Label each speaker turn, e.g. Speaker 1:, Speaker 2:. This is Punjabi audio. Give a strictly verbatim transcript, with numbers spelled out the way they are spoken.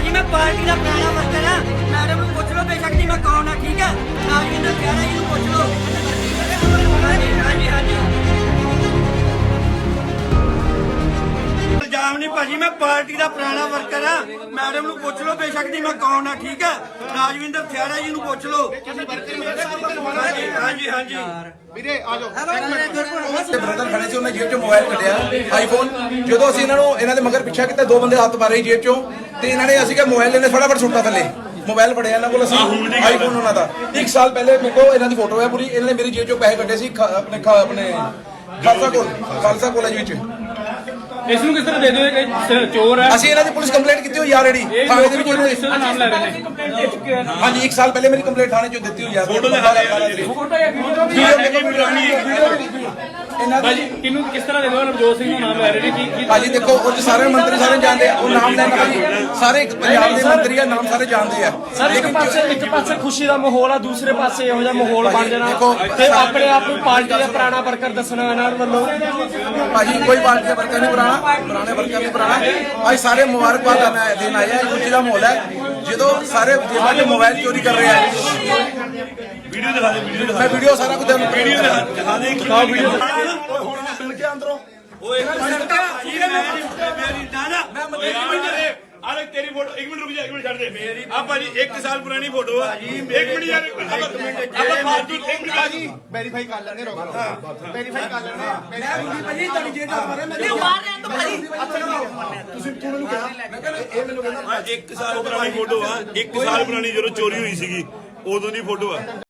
Speaker 1: ਭਾਜੀ ਮੈਂ ਪਾਰਟੀ ਦਾ ਪੁਰਾਣਾ ਵਰਕਰ ਆ। ਮੈਡਮ ਨੂੰ ਪੁੱਛ ਲਓ ਬੇਸ਼ੱਕ ਜੀ ਮੈਂ ਕੌਣ ਆ, ਠੀਕ ਹੈ। ਰਾਜਵਿੰਦਰ ਖਹਿਰਾ ਜੀ ਨੂੰ ਪੁੱਛ ਲਓ। ਹਾਂਜੀ ਹਾਂਜੀ ਹਾਂਜੀ ਇਲਜ਼ਾਮ ਨਹੀਂ ਭਾਜੀ, ਮੈਂ ਪਾਰਟੀ ਦਾ ਪੁਰਾਣਾ ਵਰਕਰ ਆ। ਮੈਡਮ ਨੂੰ ਪੁੱਛ ਲਓ ਬੇਸ਼ੱਕ ਜੀ ਮੈਂ ਕੌਣ ਆ, ਠੀਕ ਹੈ। ਰਾਜਵਿੰਦਰ ਖਹਿਰਾ ਜੀ ਨੂੰ ਪੁੱਛ ਲਓ। ਹਾਂਜੀ ਹਾਂਜੀ
Speaker 2: ਵੀਰੇ ਆ ਜਾਓ।
Speaker 3: ਤੇ ਬ੍ਰਦਰ ਖੜੇ ਸੀ, ਉਹਨੇ ਜੇਬ ਚੋਂ ਮੋਬਾਈਲ ਕੱਢਿਆ ਆਈਫੋਨ। ਜਦੋਂ ਅਸੀਂ ਇਹਨਾਂ ਨੂੰ ਇਹਨਾਂ ਦੇ ਮਗਰ ਪਿੱਛਾ ਕੀਤਾ, ਦੋ ਬੰਦੇ ਹੱਥ ਮਾਰੇ ਜੇਬ ਚੋਂ, ਤੇ ਇਹਨਾਂ ਨੇ ਅਸੀਂ ਕਿਹਾ ਮੋਬਾਈਲ ਇਹਨੇ ਫਟਾਫਟ ਸੁੱਟਾ ਥੱਲੇ। ਮੋਬਾਈਲ ਫੜਿਆ ਇਹਨਾਂ ਕੋਲ, ਅਸੀਂ ਆਈਫੋਨ ਉਹਨਾਂ ਦਾ ਇੱਕ ਸਾਲ ਪਹਿਲੇ ਮੇਰੇ ਕੋਲ ਇਹਨਾਂ ਦੀ ਫੋਟੋ ਹੈ ਪੂਰੀ। ਇਹਨਾਂ ਨੇ ਮੇਰੀ ਜੇਬ ਚੋਂ ਪੈਸੇ ਕੱਢੇ ਸੀ ਆਪਣੇ ਆਪਣੇ ਖਾਲਸਾ ਕੋਲ ਖਾਲਸਾ ਕਾਲਜ ਵਿੱਚ।
Speaker 4: ਇਸ ਨੂੰ ਕਿਸ ਤਰ੍ਹਾਂ ਦੇ ਦਿਓ ਕਿ ਚੋਰ ਹੈ?
Speaker 3: ਅਸੀਂ ਇਹਨਾਂ ਦੀ ਪੁਲਿਸ ਕੰਪਲੇਂਟ ਕੀਤੀ ਹੋਈ ਆਲਰੇਡੀ ਥਾਣੇ ਦੇ ਵਿੱਚ।
Speaker 4: ਇਸ ਦਾ ਨਾਮ ਲੈ ਰਹੇ ਨੇ।
Speaker 3: ਹਾਂਜੀ ਇੱਕ ਸਾਲ ਪਹਿਲੇ ਮੇਰੀ ਕੰਪਲੇਂਟ ਥਾਣੇ ਚੋਂ ਦਿੱਤੀ ਹੋਈ ਆ। ਫੋਟੋ ਇਹਨਾਂ
Speaker 4: ਭਾਜੀ ਕਿਹਨੂੰ ਕਿਸ ਤਰ੍ਹਾਂ ਦੇ ਦਿਓ? ਨਵਜੋਤ ਸਿੰਘ ਦਾ ਨਾਮ ਲੈ ਰਹੇ ਨੇ। ਕੀ
Speaker 3: ਭਾਜੀ ਦੇਖੋ ਉਹ 'ਚ ਸਾਰੇ ਮੰਤਰੀ ਸਾਰੇ ਜਾਣਦੇ ਆ, ਉਹ ਨਾਮ ਲੈਣਾ ਭਾਜੀ ਸਾਰੇ ਪੰਜਾਬ ਦੇ ਮੰਤਰੀ ਆ, ਨਾਮ ਸਾਰੇ ਜਾਣਦੇ ਆ।
Speaker 5: ਸਰ ਇੱਕ ਪਾਸੇ ਇੱਕ ਪਾਸੇ ਖੁਸ਼ੀ ਦਾ ਮਾਹੌਲ ਆ, ਦੂਸਰੇ ਪਾਸੇ ਇਹੋ ਜਿਹਾ ਮਾਹੌਲ ਬਣ ਜਾਣਾ
Speaker 3: ਦੇਖੋ,
Speaker 5: ਤੇ ਆਪਣੇ ਆਪ ਨੂੰ ਪਾਰਟੀ ਦਾ ਪੁਰਾਣਾ ਵਰਕਰ ਦੱਸਣਾ ਇਹਨਾਂ ਵੱਲੋਂ।
Speaker 3: ਭਾਜੀ ਕੋਈ ਪਾਰਟੀ ਦਾ ਵਰਕਰ ਨਹੀਂ ਪੁਰਾਣਾ, ਪੁਰਾਣੇ ਵਰਕਰ ਨਹੀਂ ਪੁਰਾਣਾ। ਅੱਜ ਸਾਰੇ ਮੁਬਾਰਕਬਾਦ ਦਾ ਦਿਨ ਆਇਆ, ਖੁਸ਼ੀ ਦਾ ਮਾਹੌਲ ਹੈ। ਜਦੋਂ ਸਾਰੇ ਜੇਬਾਂ ਦੇ ਮੋਬਾਈਲ ਚੋਰੀ ਕਰ ਰਹੇ ਆ।
Speaker 2: ਵੀਡੀਓ ਦਿਖਾ ਦੇ, ਵੀਡੀਓ ਦਿਖਾ
Speaker 3: ਮੈਂ ਵੀਡੀਓ ਸਾਰਾ ਕੁਝ ਤੁਹਾਨੂੰ
Speaker 2: ਵੀਡੀਓ ਦਿਖਾ ਦੇ।
Speaker 3: ਦਿਖਾਓ ਵੀਡੀਓ।
Speaker 2: ਮਿਲ ਕੇ ਅੰਦਰੋਂ ਓਏ ਮੇਰੀ ਨਾ ਨਾ ਮੈਂ ਅਰੇ ਤੇਰੀ ਫੋਟੋ ਇੱਕ ਮਿੰਟ ਰੁਕ ਜਾ, ਇੱਕ ਮਿੰਟ ਛੱਡ ਦੇ। ਆ ਭਾਜੀ ਇੱਕ ਸਾਲ ਪੁਰਾਣੀ ਫੋਟੋ ਆ। ਇੱਕ ਮਿੰਟ ਯਾਰ, ਆਪਾਂ ਫਾਲਤੂ ਇੱਕ ਮਿੰਟ ਭਾਜੀ
Speaker 6: ਵੈਰੀਫਾਈ ਕਰ ਲੈਣੇ, ਰੋਕ ਵੈਰੀਫਾਈ ਕਰ ਲੈਣੇ।
Speaker 1: ਮੈਂ ਭਾਜੀ ਤੁਹਾਡੀ ਜੇਬ ਤੋਂ ਮਾਰੇ ਮੈਂ ਮਾਰ ਰਿਹਾ ਤਾਂ ਭਾਜੀ
Speaker 6: ਤੁਸੀਂ ਤੂੰ ਮੈਨੂੰ ਕਿਹਾ, ਮੈਂ ਕਹਿੰਦਾ ਇਹ ਮੈਨੂੰ ਕਹਿੰਦਾ
Speaker 2: ਇੱਕ ਸਾਲ ਪੁਰਾਣੀ ਫੋਟੋ ਆ। ਇੱਕ ਸਾਲ ਪੁਰਾਣੀ ਜਦੋਂ ਚੋਰੀ ਹੋਈ ਸੀਗੀ ਉਦੋਂ ਦੀ ਫੋਟੋ ਆ।